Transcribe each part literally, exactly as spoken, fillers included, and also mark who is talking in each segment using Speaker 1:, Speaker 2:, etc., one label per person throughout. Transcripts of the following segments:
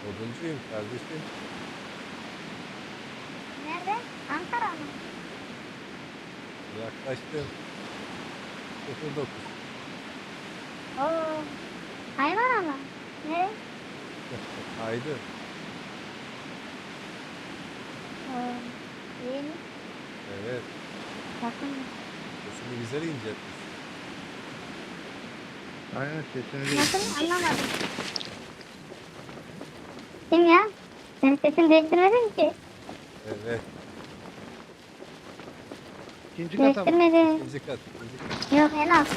Speaker 1: Oduncuyum kardeşim.
Speaker 2: Nerede? Ankara mı?
Speaker 1: Yaklaştım. sıfır dokuz.
Speaker 2: Oo. Hayvan ama. Ne?
Speaker 1: Haydi.
Speaker 2: Oo. İyi mi?
Speaker 1: Evet.
Speaker 2: Bakın.
Speaker 1: Sesini güzel inceltmiş.
Speaker 3: Aynen sesini
Speaker 2: Nasıl? Anlamadım. Kim ya? Senin sesini değiştirmedin ki.
Speaker 1: Evet.
Speaker 3: İkinci kata mı?
Speaker 2: Değiştirmedin.
Speaker 1: İkinci kat. ikinci kat.
Speaker 2: Yok en az.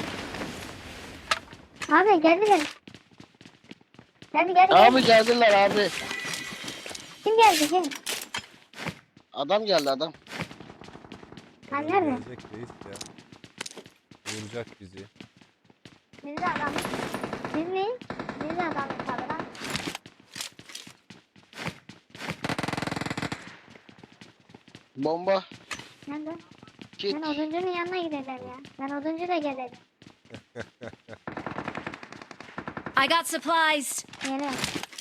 Speaker 2: Abi geldiler. Geldi geldi
Speaker 4: Abi
Speaker 2: geldi.
Speaker 4: geldiler abi.
Speaker 2: Kim geldi kim?
Speaker 4: Adam geldi adam.
Speaker 2: Ha,
Speaker 1: Adam
Speaker 2: nerede?
Speaker 1: gelecek reis ya. Vuracak bizi.
Speaker 2: Biz de adamız. Biz miyiz? Biz de adamız tabi lan.
Speaker 4: Bomba.
Speaker 2: Nerede?
Speaker 4: Kit.
Speaker 2: Ben oduncunun yanına gidelim ya. Ben oduncu da gelirim.
Speaker 5: I got supplies.
Speaker 2: Geliyorum.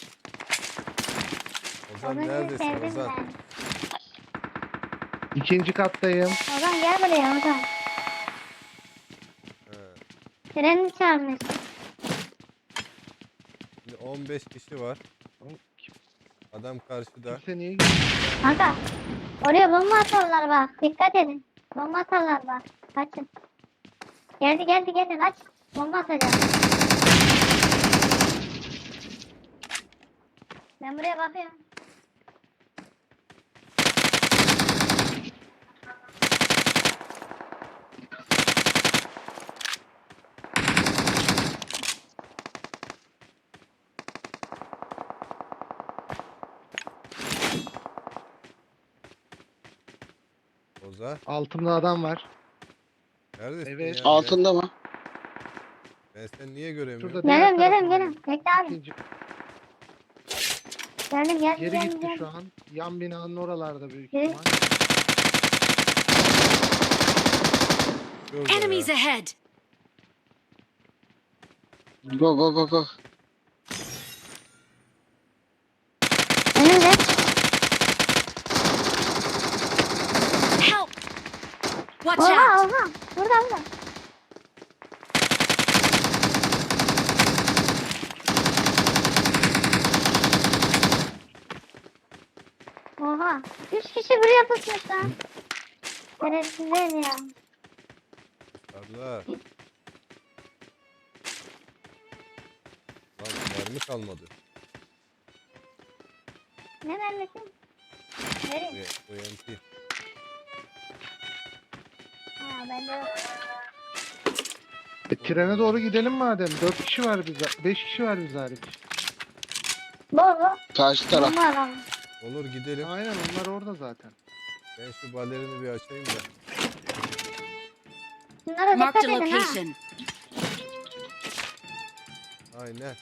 Speaker 1: Ozan
Speaker 2: Oduncuyu
Speaker 1: neredesin
Speaker 2: sevdim
Speaker 1: Ozan?
Speaker 2: ben.
Speaker 3: İkinci kattayım.
Speaker 2: Ozan gel buraya Ozan.
Speaker 1: He.
Speaker 2: Treni çağırmış.
Speaker 1: Şimdi on beş kişi var. Adam karşıda.
Speaker 3: Kimse niye gidiyor?
Speaker 2: Kanka. Oraya bomba atarlar bak. Dikkat edin. Bomba atarlar bak. Kaçın. Geldi geldi geldi kaç. Bomba atacağım. Ben buraya bakıyorum.
Speaker 1: Ozan.
Speaker 3: Altımda adam var.
Speaker 1: Neredesin
Speaker 3: Evet.
Speaker 1: ya?
Speaker 4: Altında mı?
Speaker 1: Ben, ben seni niye göremiyorum?
Speaker 3: Şurada diğer
Speaker 2: Geliyorum geliyorum
Speaker 3: tarafındayım.
Speaker 2: geliyorum. Bekle abi.
Speaker 3: İkinci.
Speaker 2: Geldim geldim
Speaker 3: Geri
Speaker 2: geldim.
Speaker 3: gitti
Speaker 2: geldim.
Speaker 3: şu an. Yan binanın oralarda büyük
Speaker 2: Geri-
Speaker 3: ihtimal.
Speaker 1: Şurada
Speaker 5: Enemies
Speaker 1: ya.
Speaker 5: ahead.
Speaker 4: Go go go go.
Speaker 2: Önümde.
Speaker 5: Help. Watch
Speaker 2: Oha
Speaker 5: out.
Speaker 2: oha. Burada burada. Oha. Üç kişi buraya pusmuş lan. Şerefsizler ya.
Speaker 1: Abla. Lan mermi kalmadı.
Speaker 2: Ne mermisi?
Speaker 1: Bu,
Speaker 2: Nereye?
Speaker 1: bu M P.
Speaker 2: Ha bende yok.
Speaker 3: E, trene doğru gidelim madem. Dört kişi var bize. Beş kişi var bize hariç.
Speaker 2: Bol bol.
Speaker 4: Karşı taraf.
Speaker 2: Bomba adam.
Speaker 1: Olur gidelim.
Speaker 3: Aynen onlar orada zaten.
Speaker 1: Ben şu balerini bir açayım da.
Speaker 2: Şunlara
Speaker 5: Marked
Speaker 2: dikkat
Speaker 5: a
Speaker 2: edin ha.
Speaker 5: location.
Speaker 1: Aynen.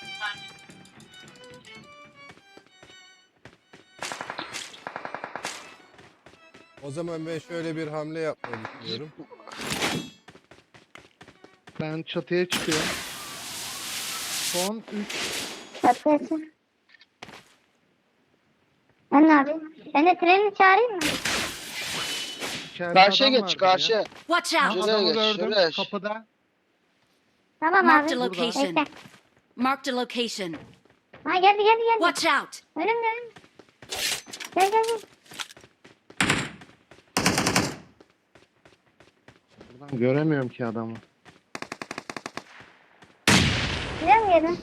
Speaker 1: O zaman ben şöyle bir hamle yapmayı düşünüyorum.
Speaker 3: Ben çatıya çıkıyorum. Son üç.
Speaker 2: Çatlasın. Ben ne yapayım? Ben de treni çağırayım mı?
Speaker 3: içeride
Speaker 4: Karşıya
Speaker 3: adam
Speaker 4: geç
Speaker 3: vardı ya.
Speaker 4: karşıya.
Speaker 5: Watch
Speaker 3: Ha,
Speaker 5: out.
Speaker 4: Şuraya
Speaker 3: adamı
Speaker 4: geç,
Speaker 3: gördüm
Speaker 4: şuraya geç.
Speaker 3: kapıda.
Speaker 2: Tamam
Speaker 5: Marked
Speaker 2: abi.
Speaker 5: a location.
Speaker 2: Bekle.
Speaker 5: Marked a location.
Speaker 2: Ha geldi geldi geldi.
Speaker 5: Watch out.
Speaker 2: Önümde önümde. Gel gel gel.
Speaker 3: Buradan göremiyorum ki adamı.
Speaker 2: Gidelim mi yerine?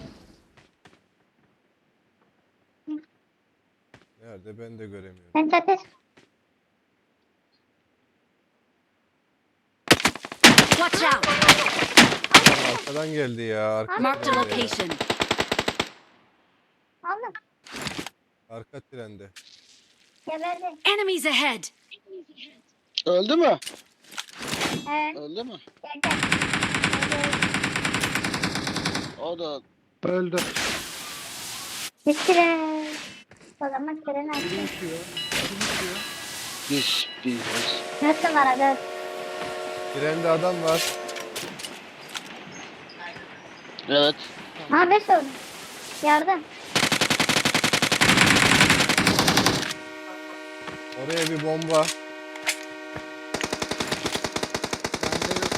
Speaker 1: Nerede ben de göremiyorum.
Speaker 2: Sen çatır.
Speaker 5: Watch out.
Speaker 1: Lan arkadan geldi ya. Arka
Speaker 5: Marked a
Speaker 1: trende ya.
Speaker 5: location.
Speaker 2: Aldım.
Speaker 1: Arka trende.
Speaker 2: Geberdi.
Speaker 5: Enemies ahead.
Speaker 4: Öldü mü?
Speaker 2: Evet.
Speaker 4: Öldü mü?
Speaker 2: Gel gel.
Speaker 4: O da
Speaker 3: Öldü.
Speaker 2: Bitirin. O zaman treni
Speaker 3: Biri
Speaker 2: açtım.
Speaker 3: uçuyor. Kim uçuyor?
Speaker 4: biz biz.
Speaker 2: Dört numara dört.
Speaker 1: Trende adam var.
Speaker 4: Evet.
Speaker 2: Ha beş oldu. Yardım.
Speaker 1: Oraya bir bomba.
Speaker 3: Bende yok.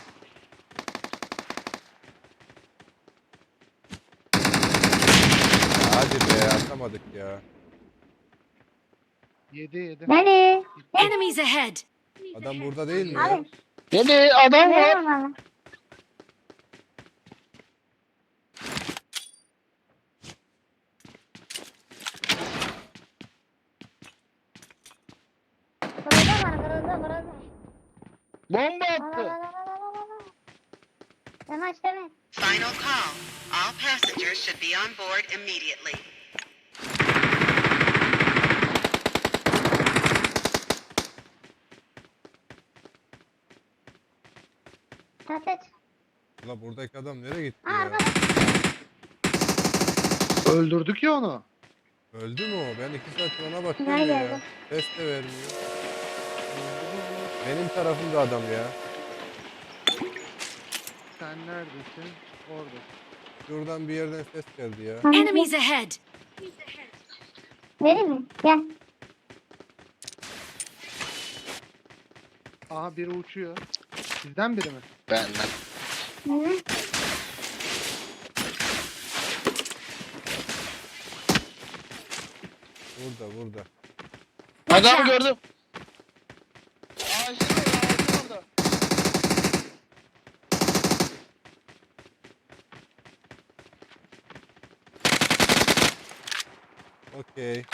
Speaker 1: Hadi be atamadık ya.
Speaker 3: Yedi yedi.
Speaker 2: Beni.
Speaker 5: Enemies ahead!
Speaker 1: Adam burada değil mi ya?
Speaker 2: Abi.
Speaker 4: Deli adam
Speaker 2: Beni
Speaker 4: var.
Speaker 2: vurmalı. Vuruldu bana vuruldu vuruldu.
Speaker 4: Bomba
Speaker 2: La la
Speaker 4: attı.
Speaker 2: la la la la la la. Yavaş deme.
Speaker 6: Final call. All passengers should be on board immediately.
Speaker 2: Tatet.
Speaker 1: Ulan buradaki adam nereye gitti
Speaker 2: Aa
Speaker 1: ya?
Speaker 2: arkada.
Speaker 3: Öldürdük ya onu.
Speaker 1: Öldü mü o? Ben iki saattir ona bakıyorum
Speaker 2: Nerede
Speaker 1: ya.
Speaker 2: öldü?
Speaker 1: Ses de vermiyor. Benim tarafımda adam ya.
Speaker 3: Sen neredesin? Orada.
Speaker 1: Şuradan bir yerden ses geldi ya.
Speaker 2: Hangi?
Speaker 5: Enemies ahead!
Speaker 2: Vereyim mi? Gel.
Speaker 3: Aha biri uçuyor. Sizden biri mi?
Speaker 4: Benden.
Speaker 2: Hı.
Speaker 1: Burada burada.
Speaker 5: Watch
Speaker 4: Adam
Speaker 5: out!
Speaker 4: gördüm. Ağacın orada, ağacın orada.
Speaker 1: Okey.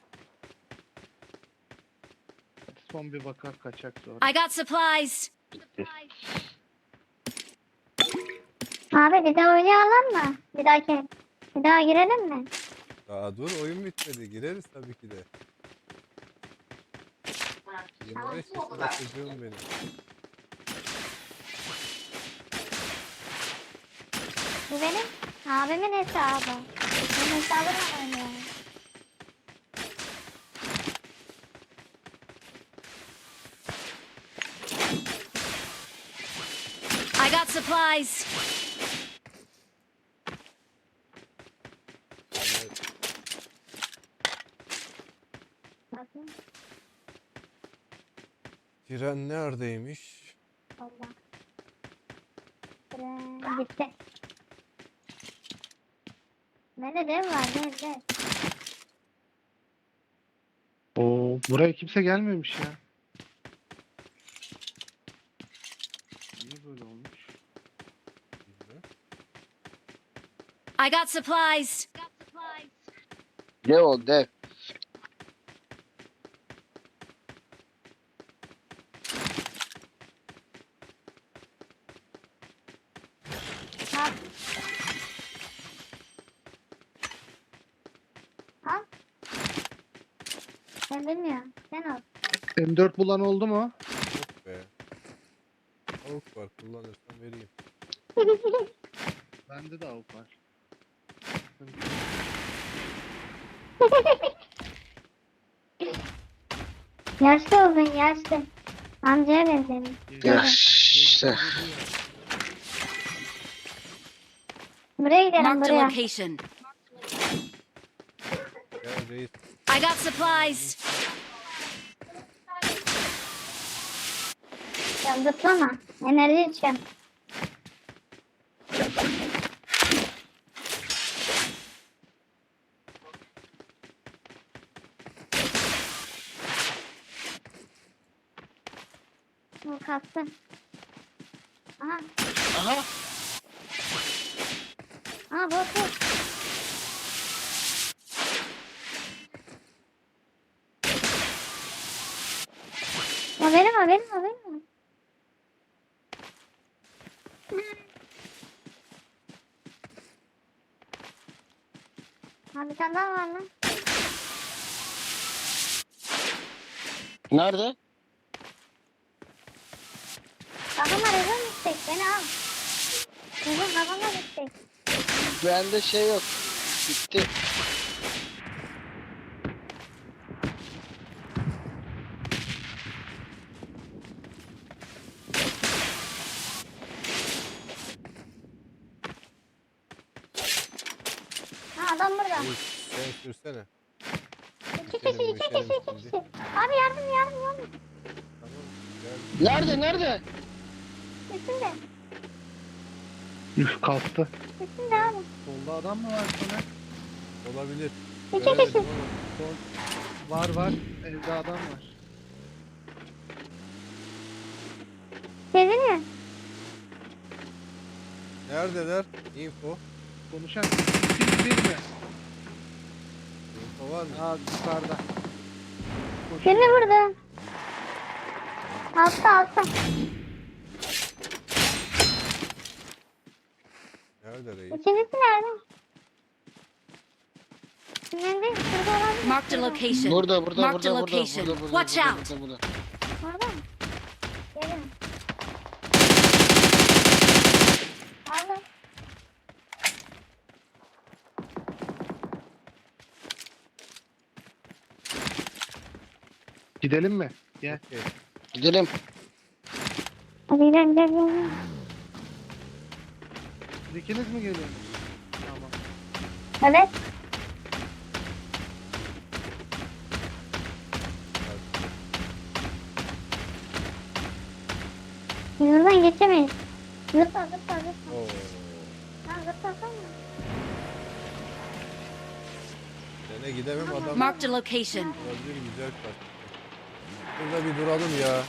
Speaker 3: Son bir bakar kaçak sonra.
Speaker 5: I got supplies!
Speaker 2: Abi bir daha oynayalım mı? Bir dahaki. Bir daha girelim mi?
Speaker 1: Daha dur oyun bitmedi. Gireriz tabii ki de. yirmi beş yaşında çocuğum benim.
Speaker 2: Bu benim abimin hesabı. Benim hesabımla oynuyorum.
Speaker 5: I got supplies!
Speaker 2: Bakın.
Speaker 1: Tren neredeymiş?
Speaker 2: Allah. Tren gitti. Bende dev var dev dev.
Speaker 3: Oo, buraya kimse gelmemiş ya. Niye böyle olmuş?
Speaker 1: Bilmiyorum.
Speaker 5: I got supplies!
Speaker 4: Ne o dev?
Speaker 2: Al. Al. Ben bilmiyorum. Sen al.
Speaker 3: M dört bulan oldu mu?
Speaker 1: Yok be. Tavuk var kullanırsam vereyim.
Speaker 3: Bende de avuk var.
Speaker 2: Yaşlı oldun yaşlı. Amcaya benzedim.
Speaker 4: Ya işte.
Speaker 2: Buraya gidelim
Speaker 5: Marked a
Speaker 2: buraya.
Speaker 5: location.
Speaker 1: Gel reis.
Speaker 5: I got supplies!
Speaker 2: Ya zıplama. Enerji içeceğim. Bu kastı. Aha.
Speaker 4: Aha.
Speaker 2: Aha bu bu. O benim o benim o benim. Ha bir tane daha var lan.
Speaker 4: Nerede?
Speaker 2: Kafama rezon istek beni al. Rezon kafama istek.
Speaker 4: Bende şey yok. Bitti.
Speaker 2: Ha adam burada.
Speaker 1: Reis sen sürsene.
Speaker 2: İki
Speaker 1: Geçelim,
Speaker 2: kişi, iki
Speaker 1: geçelim
Speaker 2: kişi, iki
Speaker 1: şimdi.
Speaker 2: kişi. Abi yardım, yardım, yardım.
Speaker 1: Tamam. Gel.
Speaker 4: Nerede nerede?
Speaker 2: Üstünde,
Speaker 3: Üf kalktı.
Speaker 2: üstünde abi.
Speaker 3: Solda adam mı var sana?
Speaker 1: Olabilir.
Speaker 2: İki
Speaker 1: Göremedim
Speaker 2: kişi.
Speaker 1: ama.
Speaker 3: Sol. Var var. Evde adam var.
Speaker 2: Geziniyor.
Speaker 1: Neredeler? Info.
Speaker 3: Konuşan siz bir mi?
Speaker 1: Info var mı?
Speaker 3: Aa yukarıda.
Speaker 2: Birini vurdu. Altta, altta.
Speaker 1: Nerede reis?
Speaker 2: İkincisi nerede? Nerede? Şurada olabilir.
Speaker 5: Marked a location.
Speaker 4: Burada burada
Speaker 5: Marked
Speaker 4: burada
Speaker 5: a
Speaker 4: burada
Speaker 5: location.
Speaker 4: burada burada
Speaker 5: Watch
Speaker 4: burada,
Speaker 5: out.
Speaker 4: burada, burada.
Speaker 2: Orada mı? Gelin. Aldım.
Speaker 3: Gidelim mi? Gel.
Speaker 1: Okey.
Speaker 4: Gidelim.
Speaker 2: Hadi gidelim, gidelim, gidelim.
Speaker 3: Siz ikiniz mi geliyorsunuz? Tamam.
Speaker 2: Evet. Biz buradan geçemeyiz. Zıpla, zıpla, zıpla.
Speaker 1: Oo.
Speaker 2: Ha, zıplasana.
Speaker 1: Sene gidemem adam.
Speaker 5: Marked a location.
Speaker 1: Gördüğüm güzel kaç. Burada bir duralım ya.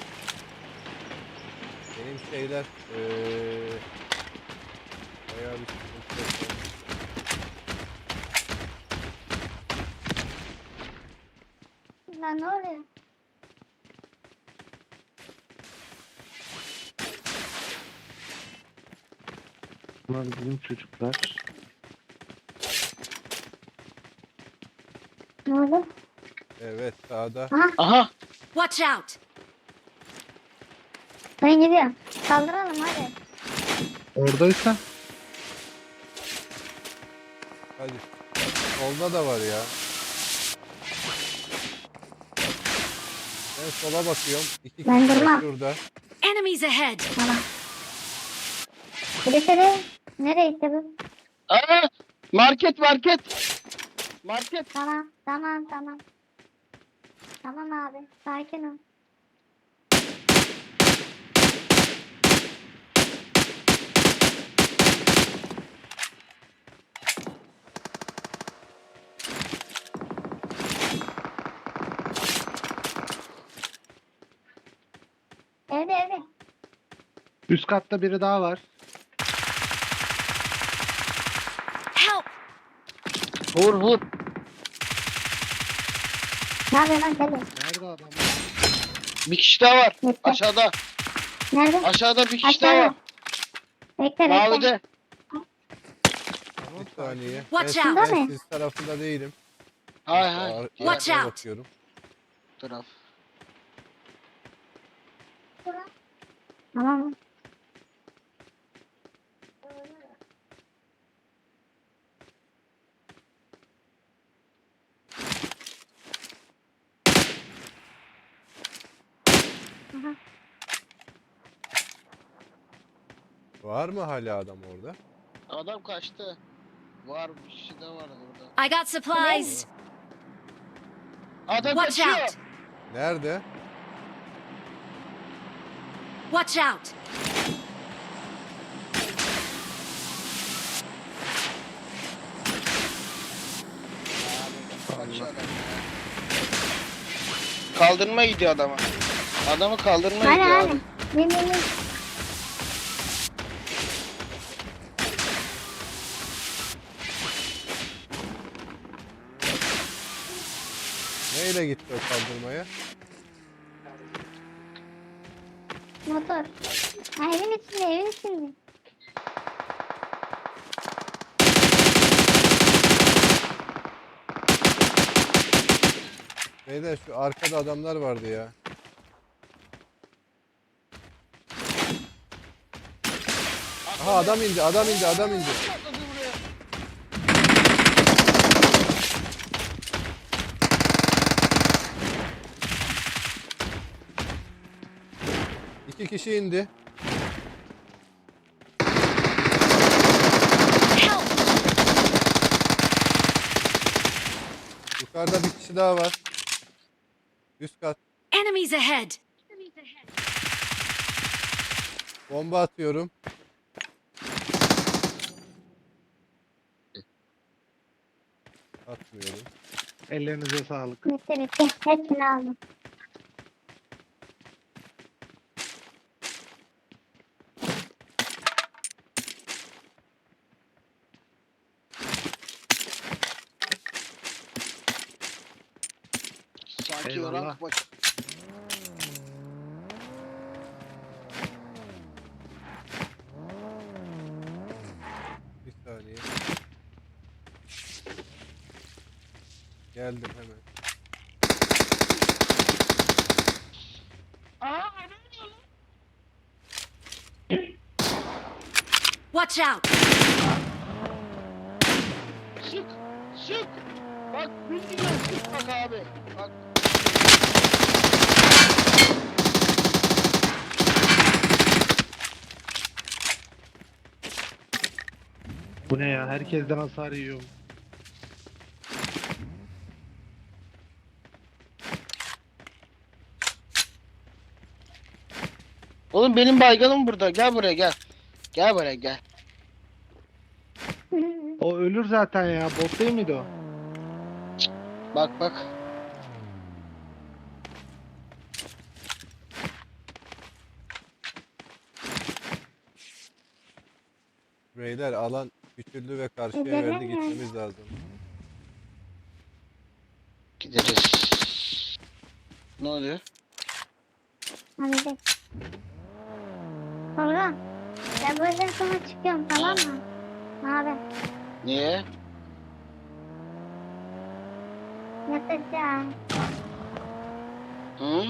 Speaker 1: Benim şeyler eee bayağı bir sıkıntı yok.
Speaker 2: Lan ne oluyor?
Speaker 3: Bunlar bizim çocuklar.
Speaker 2: Ne oldu?
Speaker 1: Evet sağda.
Speaker 4: Aha.
Speaker 5: Watch out.
Speaker 2: Ben gidiyorum. Kaldıralım hadi.
Speaker 3: Oradaysa
Speaker 1: Hadi. Solda da var ya. Ben sola bakıyorum. İki
Speaker 2: Ben
Speaker 1: kişi var
Speaker 2: durmam.
Speaker 1: şurada.
Speaker 5: Enemies ahead.
Speaker 2: Tamam. Birisi de nereye gitti bu?
Speaker 4: Aa, market market. Market.
Speaker 2: Tamam, tamam, tamam. Tamam abi, sakin ol. Evde, evde.
Speaker 3: üst katta biri daha var.
Speaker 5: Help.
Speaker 4: Vur vur.
Speaker 2: Ne yapıyor lan deli?
Speaker 3: Nerede adam?
Speaker 4: Bir kişi daha var.
Speaker 2: Gitti.
Speaker 4: Aşağıda.
Speaker 2: Nerede?
Speaker 4: Aşağıda bir kişi daha
Speaker 2: Aşağıda.
Speaker 4: var.
Speaker 2: Bekle, bekle.
Speaker 4: Mavide.
Speaker 3: Tamam,
Speaker 1: Bir saniye.
Speaker 5: Watch
Speaker 1: ben,
Speaker 5: out.
Speaker 1: ben
Speaker 2: Değil mi?
Speaker 1: siz tarafında değilim.
Speaker 4: Hay hay.
Speaker 1: Ar-
Speaker 4: Diğer
Speaker 5: Watch
Speaker 1: arkaya
Speaker 5: out.
Speaker 1: bakıyorum.
Speaker 4: taraf.
Speaker 2: Tamam. Aha.
Speaker 1: Var mı hala adam orada?
Speaker 4: Adam kaçtı. Var bir kişi de var orada.
Speaker 5: I got supplies.
Speaker 4: Adam
Speaker 5: Watch
Speaker 4: kaçıyor.
Speaker 5: out.
Speaker 1: Nerede?
Speaker 5: Watch out.
Speaker 4: Kaçıyor adam. Kaldırma gidiyor adama. Adamı kaldırma
Speaker 2: Hadi
Speaker 4: gidiyor
Speaker 2: hadi.
Speaker 4: abi.
Speaker 2: Bin bin bin.
Speaker 1: Neyle gitti o kaldırmaya?
Speaker 2: Motor. Ha, evin içinde, evin içinde.
Speaker 1: Beyler şu arkada adamlar vardı ya. Aha adam indi, adam indi, adam indi. İki kişi indi.
Speaker 5: Help.
Speaker 1: Yukarıda bir kişi daha var. Üst kat.
Speaker 5: Enemies ahead!
Speaker 1: Bomba atıyorum. Atmıyorum.
Speaker 3: Ellerinize sağlık.
Speaker 2: Bitti bitti. Hepsini aldım.
Speaker 4: Sanki
Speaker 3: Eyvallah.
Speaker 4: rank maçı.
Speaker 1: Bir saniye. Geldim hemen.
Speaker 5: Watch out!
Speaker 4: Sık. Sık. Bak bildiğin sık bak abi. Bak.
Speaker 3: Bu ne ya? Herkesten hasar yiyorum.
Speaker 4: Oğlum benim bayganım burada. Gel buraya gel. Gel buraya gel.
Speaker 3: O ölür zaten ya. Bot değil miydi o?
Speaker 4: Bak bak.
Speaker 1: Beyler alan küçüldü ve karşıya
Speaker 2: Gidelim
Speaker 1: verdi.
Speaker 2: mi?
Speaker 1: Gitmemiz lazım.
Speaker 4: Gideriz. Ne oluyor?
Speaker 2: Hadi de. Tolga. Ben bu yüzden sonra çıkıyorum tamam mı? Ne haber?
Speaker 4: Niye?
Speaker 2: Yatacağım.
Speaker 4: Hı?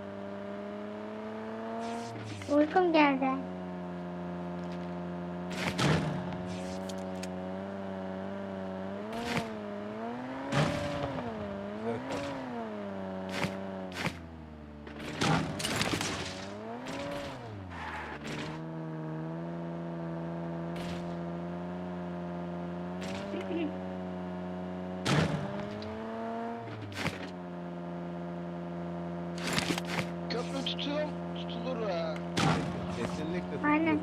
Speaker 2: Uykum geldi.
Speaker 1: Güzel kaldı.
Speaker 4: Köprü tutuyorum. Tutulur ha.
Speaker 1: Kesinlikle tutulur.
Speaker 2: Aynen.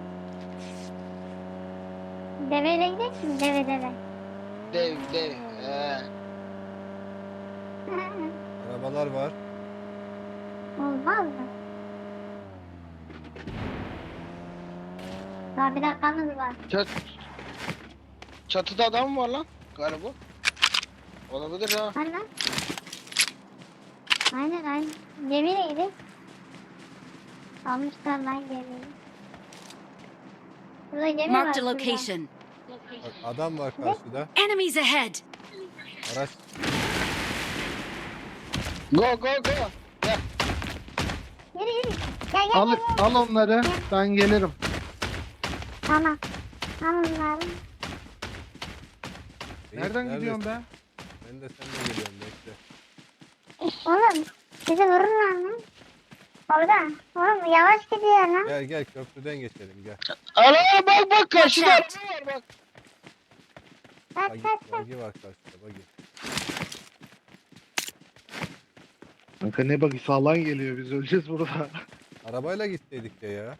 Speaker 2: Deveyle gidelim mi? Deve deve.
Speaker 4: Dev dev. He.
Speaker 1: Arabalar var.
Speaker 2: Olmaz mı? Daha bir dakikamız var.
Speaker 4: Çat Çatıda adam mı var lan? Galiba. Olabilir ha.
Speaker 2: Aynen. Aynen aynen. Gemiyle gidelim. Almışlar lan gemiyi. Burada gemi var.
Speaker 5: Marked a
Speaker 2: şurada.
Speaker 5: location.
Speaker 1: Bak adam var karşıda.
Speaker 5: Enemies ahead!
Speaker 1: Araç
Speaker 4: Go go go. Gel.
Speaker 2: Yürü yürü. Gel gel
Speaker 3: Al,
Speaker 2: gel. gel.
Speaker 3: al onları. Ben gelirim.
Speaker 2: Tamam. Al onları.
Speaker 3: Nereden
Speaker 1: Neredesin?
Speaker 3: gidiyorsun be?
Speaker 1: Ben de seninle geliyorum bekle.
Speaker 2: Oğlum bizi vururlar mı? Orada. Oğlum yavaş gidiyor lan.
Speaker 1: Gel gel köprüden geçelim gel.
Speaker 4: Ana bak bak karşıda
Speaker 5: Watch
Speaker 4: araba var bak.
Speaker 2: Kaç
Speaker 1: Bagi,
Speaker 2: kaç kaç.
Speaker 1: bagi var karşıda bagi.
Speaker 3: Kanka ne bakı sağlan geliyor. Biz öleceğiz burada.
Speaker 1: Arabayla gitseydik ya ya.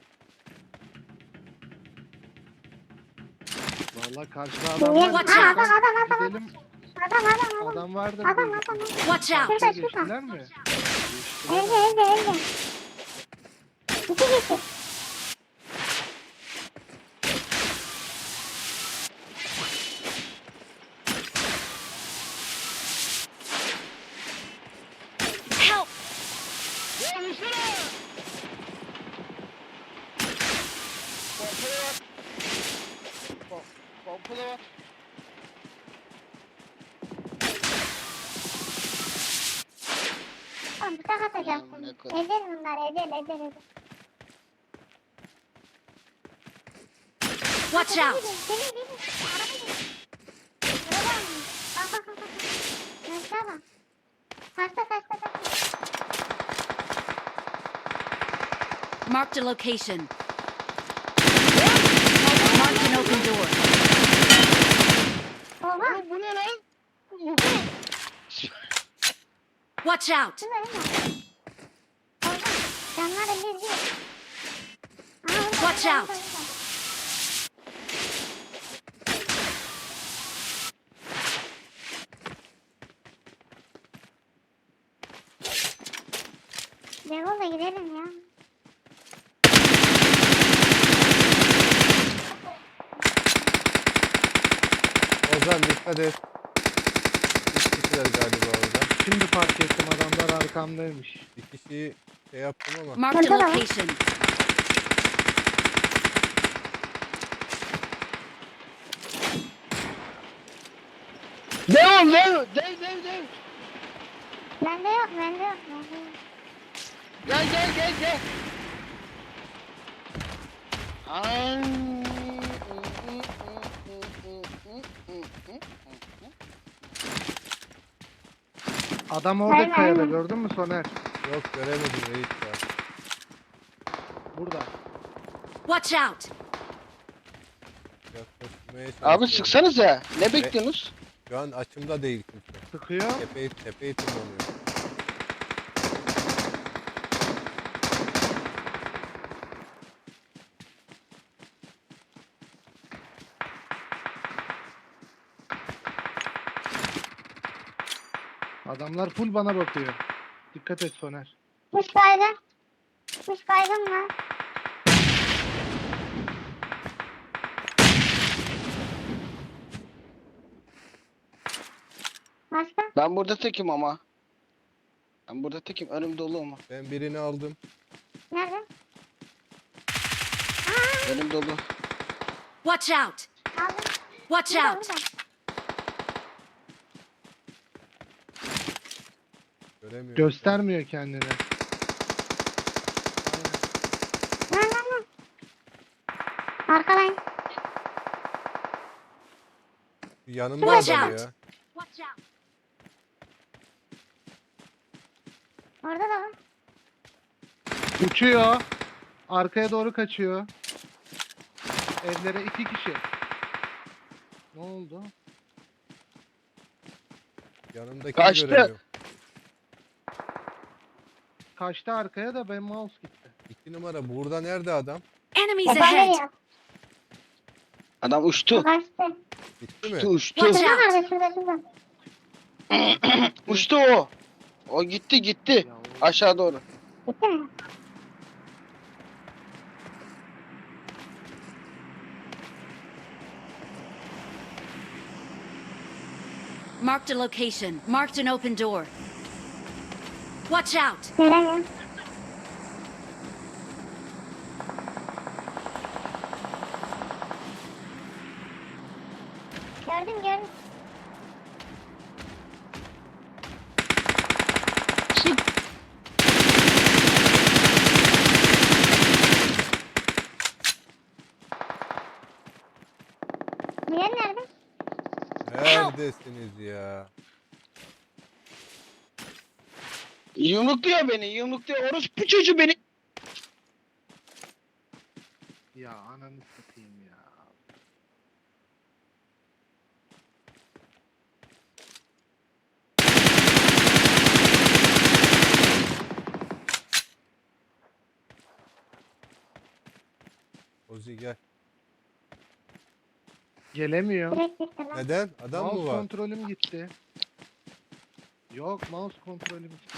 Speaker 3: Vallahi karşıda adam var.
Speaker 5: Watch
Speaker 2: Aa,
Speaker 5: out.
Speaker 2: adam adam adam.
Speaker 3: Gidelim.
Speaker 2: Adam adam adam.
Speaker 3: Adam vardır.
Speaker 2: Adam
Speaker 3: diye
Speaker 2: adam adam.
Speaker 5: Watch out!
Speaker 2: Şurada şurada.
Speaker 3: Geçtiler mi?
Speaker 2: Elde elde elde. İki kişi.
Speaker 5: Help!
Speaker 4: Ya vursana. Pompalı var. Pom- Pompalı var.
Speaker 2: Tamam bıçak atacağım
Speaker 4: Aman
Speaker 2: şimdi.
Speaker 4: ne kadar-
Speaker 2: Eder bunlar eder eder eder.
Speaker 5: Watch out!
Speaker 2: Gelin gelin. Araba gelin. Araba mı? Bak bak bak. bak. Aşağı bak. Kaçta kaçta kaçta.
Speaker 5: Marked a location. Marked an open door.
Speaker 2: Oha.
Speaker 4: Oğlum bu ne lan?
Speaker 5: Watch out!
Speaker 2: Şurada değil mi? Orada. Canları bir bir. Aa, orada,
Speaker 5: Watch
Speaker 2: orada,
Speaker 5: out.
Speaker 2: orada. Devol'la gidelim ya.
Speaker 1: Ozan dikkat et. İki kişiler galiba orada.
Speaker 3: Şimdi fark ettim adamlar arkamdaymış.
Speaker 1: Bir kişiyi şey yaptım ama.
Speaker 5: Marked a
Speaker 2: Burada da var.
Speaker 5: location.
Speaker 4: Dev dev dev dev dev.
Speaker 2: Bende yok, bende yok, bende yok.
Speaker 4: Gel gel gel gel. Ay.
Speaker 3: Adam orada
Speaker 2: Aynen,
Speaker 3: kayada
Speaker 2: aynen.
Speaker 3: gördün mü Soner?
Speaker 1: Yok göremedim reis ya.
Speaker 3: Burada.
Speaker 5: Watch out!
Speaker 1: Yaklaşmaya
Speaker 4: Abi
Speaker 1: çalışıyorum.
Speaker 4: sıksanıza. Ne bekliyorsunuz?
Speaker 1: Şu an açımda değil kimse.
Speaker 3: Sıkıyor.
Speaker 1: Tepeyi, tepeyi tırmanıyor.
Speaker 3: Adamlar full bana bakıyor. Dikkat et Soner.
Speaker 2: Kuş kaydı. Kuş kaydım var. Başka?
Speaker 4: Ben burada tekim ama. Ben burada tekim. Önüm dolu ama.
Speaker 1: Ben birini aldım.
Speaker 2: Nerede?
Speaker 4: Önüm dolu.
Speaker 5: Watch out!
Speaker 2: Aldım.
Speaker 5: Watch
Speaker 2: Burada,
Speaker 5: out!
Speaker 2: burada.
Speaker 1: Göremiyorum.
Speaker 3: Göstermiyor kendini.
Speaker 2: Lan lan lan. Arkadan.
Speaker 1: Yanımda
Speaker 5: Watch
Speaker 1: adam
Speaker 5: out.
Speaker 1: ya.
Speaker 5: Watch out!
Speaker 2: Orada da var.
Speaker 3: Uçuyor. Arkaya doğru kaçıyor. Evlere iki kişi. Ne oldu?
Speaker 1: Yanımdakini
Speaker 4: Kaçtı.
Speaker 1: göremiyorum.
Speaker 3: Kaçtı arkaya da ben mouse gitti.
Speaker 1: İki numara burada nerede adam?
Speaker 5: Enemies
Speaker 2: Efendim
Speaker 5: ahead!
Speaker 2: ya.
Speaker 4: Adam uçtu.
Speaker 2: Kaçtı.
Speaker 1: Gitti mi?
Speaker 4: Uçtu uçtu.
Speaker 5: Watch
Speaker 2: Şurada
Speaker 5: out!
Speaker 2: nerede? Şurada şurada.
Speaker 4: Uçtu o. O gitti gitti.
Speaker 3: Ya o-
Speaker 4: Aşağı doğru.
Speaker 2: Gitti mi?
Speaker 5: Marked a location. Marked an open door. Watch out!
Speaker 2: Göremiyorum. Gördüm gördüm.
Speaker 4: Sık.
Speaker 2: Diğer nerede?
Speaker 1: Neredesiniz ya?
Speaker 4: Yumrukluyor beni. Yumrukluyor. Orospu çocuğu beni.
Speaker 3: Ya ananı satayım ya.
Speaker 1: Ozi gel.
Speaker 3: Gelemiyor.
Speaker 2: Direkt gitti lan.
Speaker 1: Neden? Adam
Speaker 3: Mouse
Speaker 1: mı var?
Speaker 3: kontrolüm gitti. Yok mouse kontrolüm gitti.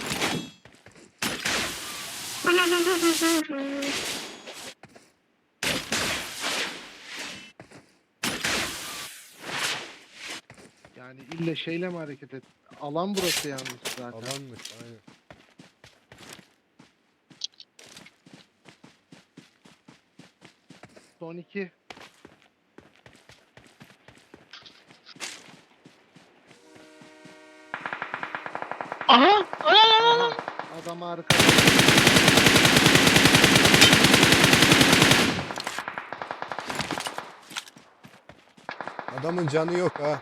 Speaker 3: Yani ille şeyle mi hareket et? Alan burası yalnız zaten.
Speaker 1: Alanmış aynen.
Speaker 3: Son iki.
Speaker 4: Aha. Ana ana ana.
Speaker 3: Aha, adam arkada.
Speaker 1: Adamın canı yok ha.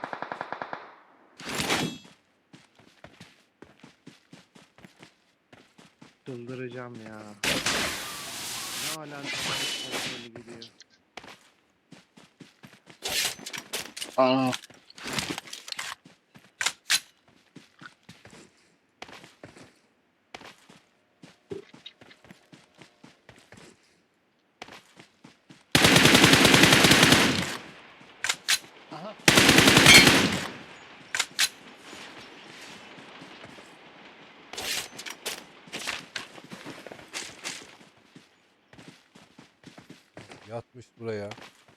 Speaker 3: Çıldıracağım ya. Ne alakası kontrolü gidiyor.
Speaker 4: Ana.
Speaker 1: Yatmış buraya.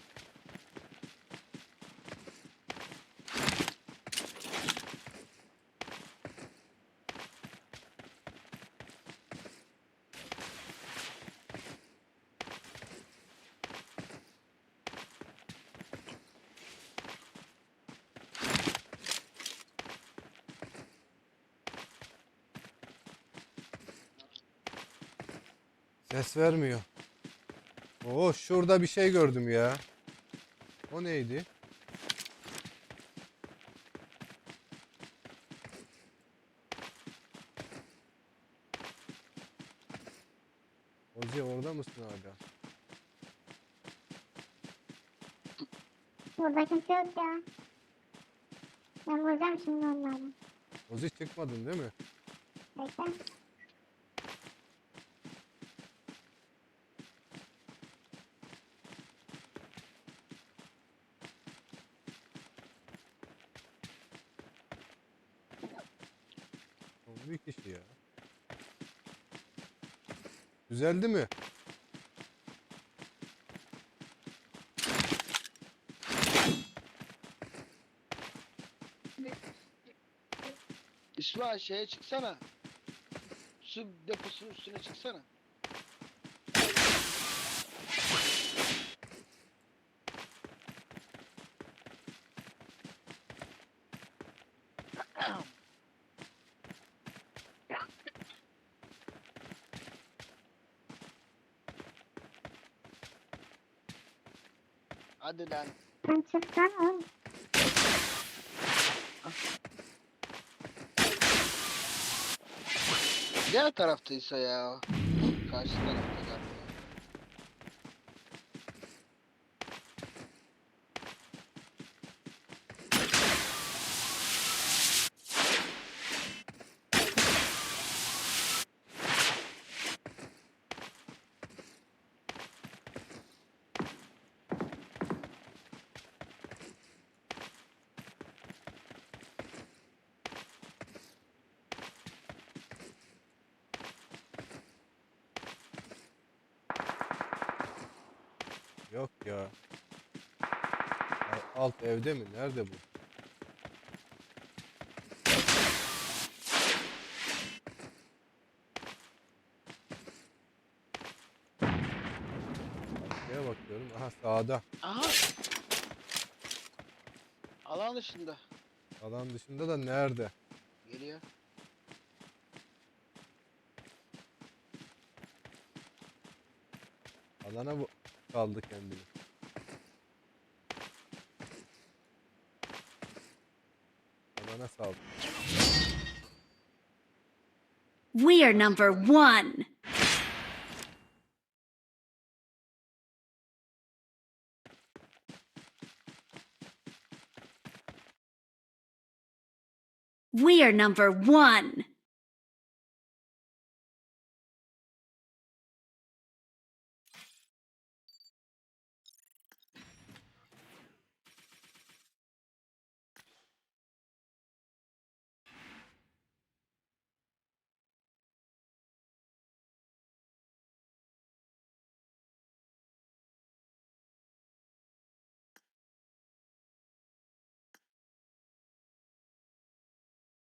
Speaker 1: Ses vermiyor. Oo, şurada bir şey gördüm ya. O neydi? Ozi orada mısın hala?
Speaker 2: Burada kimse yok ya. Ben vuracağım şimdi onları.
Speaker 1: Ozi çıkmadın değil mi?
Speaker 2: Bekle.
Speaker 1: O bir kişi ya. Düzeldi mi?
Speaker 4: İsmail şeye çıksana. Su deposunun üstüne çıksana. Hadi lan.
Speaker 2: Sen çıksan oğlum.
Speaker 4: Diğer taraftaysa ya. Karşı tarafta galiba.
Speaker 1: Yok ya. Al- Alt evde mi? Nerede bu? Arkaya bakıyorum. Aha sağda.
Speaker 4: Aha. Alan dışında.
Speaker 1: Alan dışında da nerede?
Speaker 4: Geliyor.
Speaker 1: Alana bu kaldı kendini. Alana saldı.
Speaker 5: We are number one. We are number one.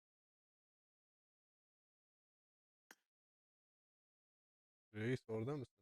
Speaker 1: Reis orada mısın?